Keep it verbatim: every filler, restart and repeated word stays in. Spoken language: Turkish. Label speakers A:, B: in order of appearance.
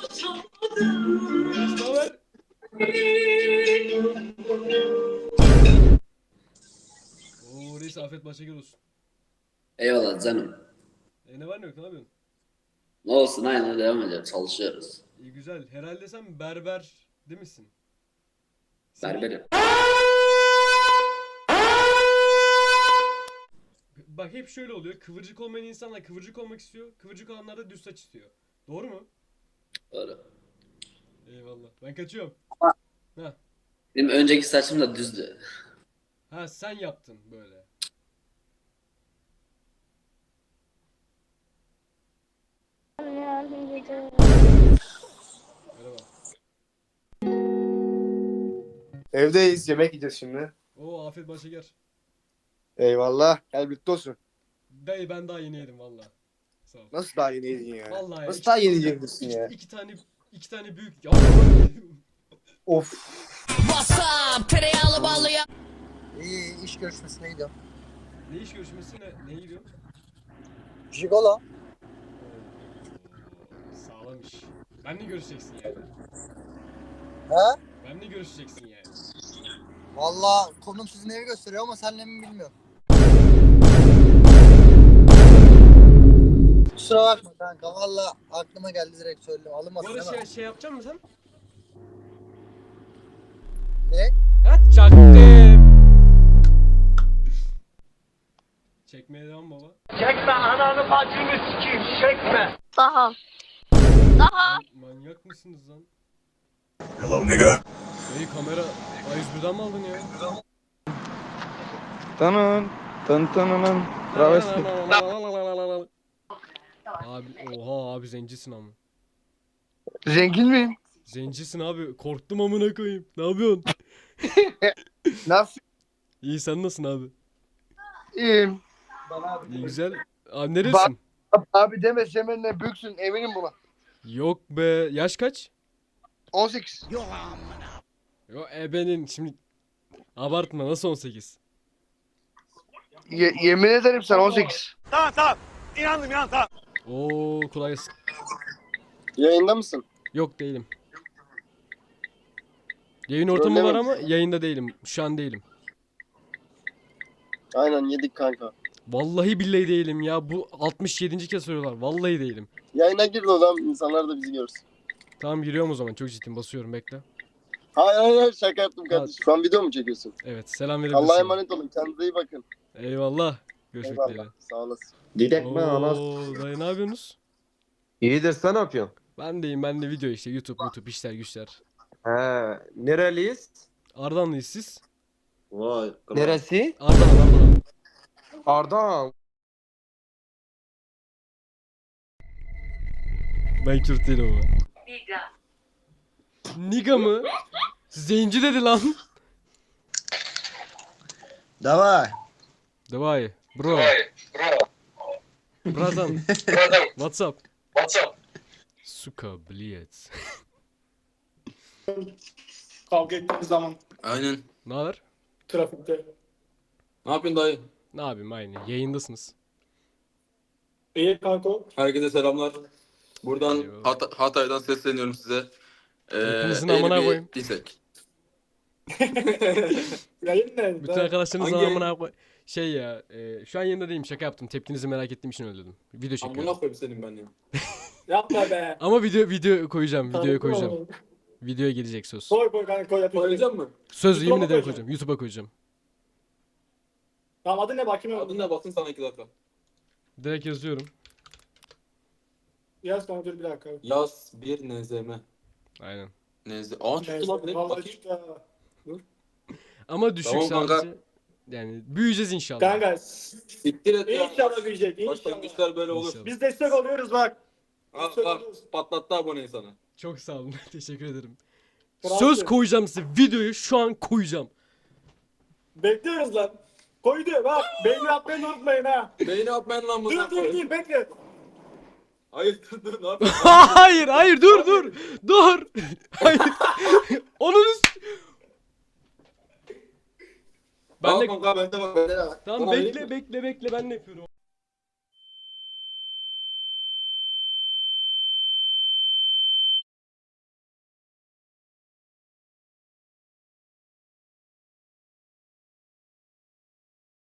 A: Reis ne haber? Oo reis afiyet başa gel olsun.
B: Eyvallah canım.
A: E ne var ne yok ne yapıyorsun?
B: Ne olsun aynen devam ediyor. Çalışıyoruz.
A: İyi güzel. Herhalde sen berber değil misin? Seni
B: Berberim.
A: bak hep şöyle oluyor. Kıvırcık olmayan insanlar kıvırcık olmak istiyor. Kıvırcık olanlar da düz saç istiyor. Doğru mu?
B: Doğru.
A: Eyvallah. Ben kaçıyorum. Ha.
B: Benim önceki saçım da düzdü.
A: Ha sen yaptın böyle. Merhaba.
C: Evdeyiz. Yemek yiyeceğiz şimdi.
A: Oo afiyet başa gel.
C: Eyvallah. Gel birlikte olsun.
A: Dayı ben daha yeni yedim valla. Sağ ol.
C: Nasıl daha yeni yedin ya?
A: Vallahi ya.
C: Nasıl
A: iki,
C: daha yeni yiyeceksin
A: iki,
C: ya?
A: iki tane iki tane büyük ya.
C: Of.
D: WhatsApp tereyağlı ballı ya.
E: İyi iş görüşmesine gidiyorum.
A: Ne iş görüşmesi ne? Neye gidiyor?
E: Jigolo.
A: Oo, sağlam iş. Benle görüşeceksin yani.
E: He?
A: Benle görüşeceksin yani.
E: Valla konum sizin evi gösteriyor ama senle mi bilmiyorum. Kusura bakma kanka valla aklıma geldi direkt söyledim.
A: Bu
E: Alınmasın
A: arada
E: değil mi?
A: şey, şey yapacak mısın sen?
E: Ne?
A: Ha çaktım. Çekmeye devam baba.
F: Çekme ananı bacını sikeyim çekme.
G: Daha. Daha.
A: Man- manyak mısınız lan?
H: Hello, nigga.
A: Hey kamera A yüz birden mi aldın ya?
C: Tanın. Tan tanının. Travesti.
A: Abi oha abi zencisin ama.
C: Zengin miyim?
A: Zencisin abi. Korktum amına koyayım. Ne yapıyorsun?
C: Nasıl?
A: İyi sen nasılsın abi?
C: İyiyim.
A: İyi güzel. Abi neresin?
C: Abi deme seninle büyüksün eminim buna.
A: Yok be. Yaş kaç?
C: on sekiz.
A: Yo ebenin şimdi abartma nasıl on sekiz?
C: Ye- yemin ederim sen on sekiz.
F: Tamam tamam. İnandım inan tamam.
A: Oo kolay gelsin.
C: Yayında mısın?
A: Yok değilim. Yayın ortamı var
C: Trollemeyin.
A: ama yayında değilim. Şu an değilim.
C: Aynen yedik kanka.
A: Vallahi billahi değilim ya. Bu altmış yedinci kez soruyorlar. Vallahi değilim.
C: Yayına gir de oğlum insanlar da bizi görsün.
A: Tamam giriyorum o zaman. Çok ciddiyim. Basıyorum bekle.
C: Hayır hayır hayır, şaka yaptım kardeşim. Şu an video mu çekiyorsun?
A: Evet selam verebilirsin.
C: Allah'a emanet olun. Kendinize iyi bakın.
A: Eyvallah. Görüşmek üzere.
C: Eyvallah. Sağ olasın.
I: Didek mi anas?
A: Oo, dayı ne yapıyorsunuz?
I: İyidir, sen ne yapıyorsun?
A: Ben deyim. Ben de video işte. YouTube, YouTube işler güçler.
I: He, nereliyiz?
A: Ardahanlıyız siz?
I: Vay. Neresi?
A: Ardahan, Ardahan.
I: Ardahan.
A: Ben Kürt değilim ama. Niga. Niga mı? Zenci dedi lan.
E: Davay.
A: Давай, bro. Братан. What's up? Сука, блядь.
J: Kavga ettiğimiz zaman
H: Aynen.
A: Ne haber?
J: trafikte.
H: Ne yapıyorsun dayı?
A: Ne yapayım aynı. Yayındasınız.
J: İyi kanka.
H: Herkese selamlar. Buradan
A: Eyvallah.
H: Hat- Hatay'dan sesleniyorum size. Ee,
A: Hepinizin
H: eğri
A: amına
H: bir
A: koyayım.
H: isek.
J: Yayın ne?
A: Bütün arkadaşlarınızın
H: Hangi-
A: amına koy. Şey ya, e, şu an yayında değilim. Şaka yaptım. Tepkinizi merak ettiğim için öyle dedim. Video
H: Amına
A: çekiyorum.
H: koyayım senin ben ya.
J: Yapma be.
A: Ama video video koyacağım. Videoya
J: Tanıdım
A: koyacağım.
J: onu.
A: Videoya gelecek söz.
J: Koy koy kanka koy yapayım.
H: Koyacak mı?
A: Söz
J: YouTube'a
A: yemin
J: mı
A: ederim
J: koyacaksın?
A: koyacağım. YouTube'a koyacağım.
J: Tamam adı ne bakayım.
H: Adın ne baksın sana iki dakika.
A: Direkt yazıyorum.
J: Yaz kanka dur bir dakika.
H: Yaz bir nezeme.
A: Aynen.
H: Neze. Aa çıktı lan.
J: Neyse,
H: Ne?
J: vallahi
H: Bakayım.
J: çıktı ha.
A: Ama düşük
H: Tamam kanka.
A: sadece. Yani büyüyeceğiz inşallah.
J: Kanka
H: Siktir et ya.
J: inşallah büyüyecek inşallah.
H: Başlangıçlar böyle olur.
A: İnşallah.
J: Biz destek oluyoruz bak.
H: Al
J: Destek
H: al.
J: oluyoruz.
H: Patlattı aboneyi sana.
A: Çok sağ olun. Teşekkür ederim.
J: Kralsın.
A: Söz koyacağım size. Videoyu şu an koyacağım.
J: Bekliyoruz lan. Koydu bak. Beğeni atmayı unutmayın ha.
H: Beyni atmayın lan bunu.
J: Dur dur dur bekle.
H: Hayır dur dur ne yapıyorsun?
A: hayır hayır dur dur. Dur. Hayır. Onun üst... Ben
H: Al
A: de...
H: kanka bende bak. Bende bak.
A: Tamam
H: Bana vereyim
A: bekle
H: mi?
A: bekle bekle ben ne yapıyorum?